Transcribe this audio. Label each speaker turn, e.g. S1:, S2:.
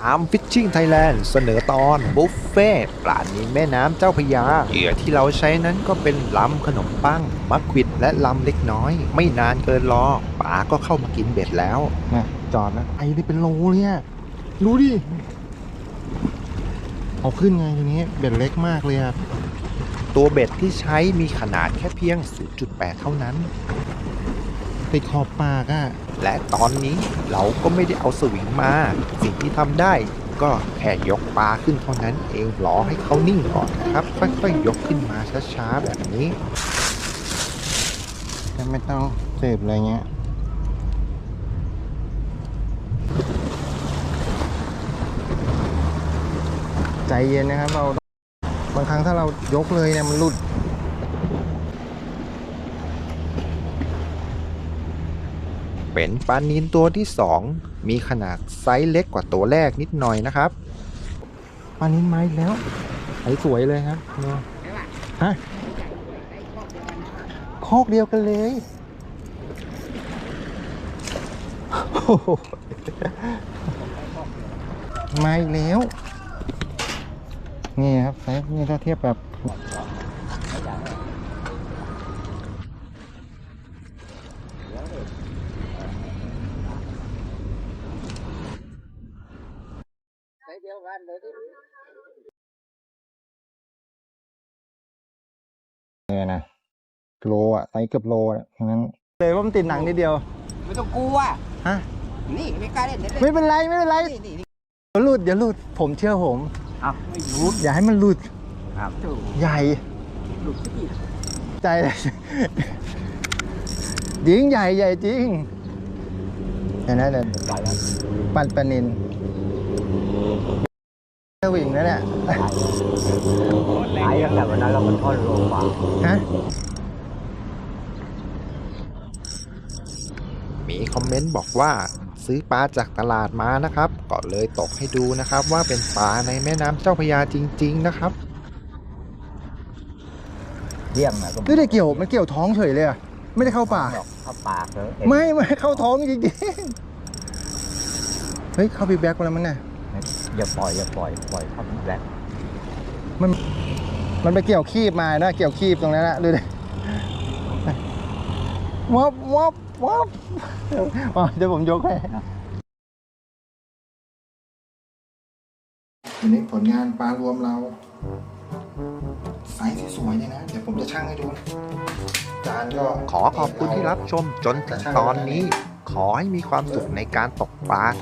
S1: Arm Fishing Thailand เสนอตอนบุฟเฟ่ปลานิลแม่น้ำเจ้าพระยาเหยื่อที่เราใช้นั้นก็เป็นลำขนมปังมักควิดและลำเล็กน้อย ไม่นานเกินรอปลาก็เข้ามากินเบ็ดแล้วนะจอดนะไอ้นี่เป็นโลเนี่ยดูดิเอาขึ้นไงทีนี้เบ็ดเล็กมากเลยครับตัวเบ็ดที่ใช้มีขนาดแค่เพียง 0.8 เท่านั้นติดขอบปากอะและตอนนี้เราก็ไม่ได้เอาสวิงมาสิ่งที่ทำได้ก็แค่ยกปลาขึ้นเท่านั้นเองรอให้เขานิ่งก่อนนะครับค่อยๆยกขึ้นมาช้าๆแบบนี้ไม่ต้องเสพอะไรเงี้ยใจเย็นนะครับเราบางครั้งถ้าเรายกเลยเนี่ยมันหลุดเป็นปลานิลตัวที่2มีขนาดไซส์เล็กกว่าตัวแรกนิดหน่อยนะครับปลานิลมาอีกแล้วไอ้สวยเลยครับฮะคอกเดียวกันเลยมาอีกแล้วนี่ครับไซส์นี่ถ้าเทียบแบบเนี่ยนะโลอ่ะไซส์เกือบโลอ่ะฉะนั้นเลยว่ามันติดหนังนิดเดียว
S2: ไม่ต้องกลัว
S1: ฮะ
S2: นี่ไม่กล้าเล่น
S1: ไม่เป็นไรไม่เป็นไรเดี๋ยวหลุดเดี๋ยวหลุดผมเชื่อผม
S2: ไม่หลุด
S1: อย่าให้มันหลุด
S2: ครับ
S1: ใหญ่
S2: หลุดที่
S1: ใจเลยจริงใหญ่ใหญ่จริงเห็นไหมเนี่ยปั่นปลานิลวิ่งแล้วเนี่ย
S2: ตายตั้งแต่วันนั้นเรามันทอดโลกว่า
S1: ฮะมีคอมเมนต์บอกว่าซื้อปลาจากตลาดมานะครับก็เลยตกให้ดูนะครับว่าเป็นปลาในแม่น้ำเจ้าพระยาจริงๆนะครับ
S2: เยี่ยมนะ
S1: ไม่ได้เกี่ยวมันเกี่ยวท้องเฉยเลยอะไม่ได้เข้าปาก
S2: เข้าปากเลย
S1: ไม่เข้าท้องจริงๆเฮ้ยเข้าบีแบ็กมาแล้วมั้งเนี่ย
S2: อย่าปล่อยเข้าบีแบ็ก
S1: มันไปเกี่ยวคีบมานะเกี่ยวคีบตรงนั้นนะดูดิวับเดี๋ยวผมยกให้ทีนี้ผลงานปลารวมเราไซส์สวยๆเลยนะเดี๋ยวผมจะชั่งให้ดูจานก็ขอขอบคุณที่รับชมจนถึงตอนนี้ขอให้มีความสุขในการตกปลา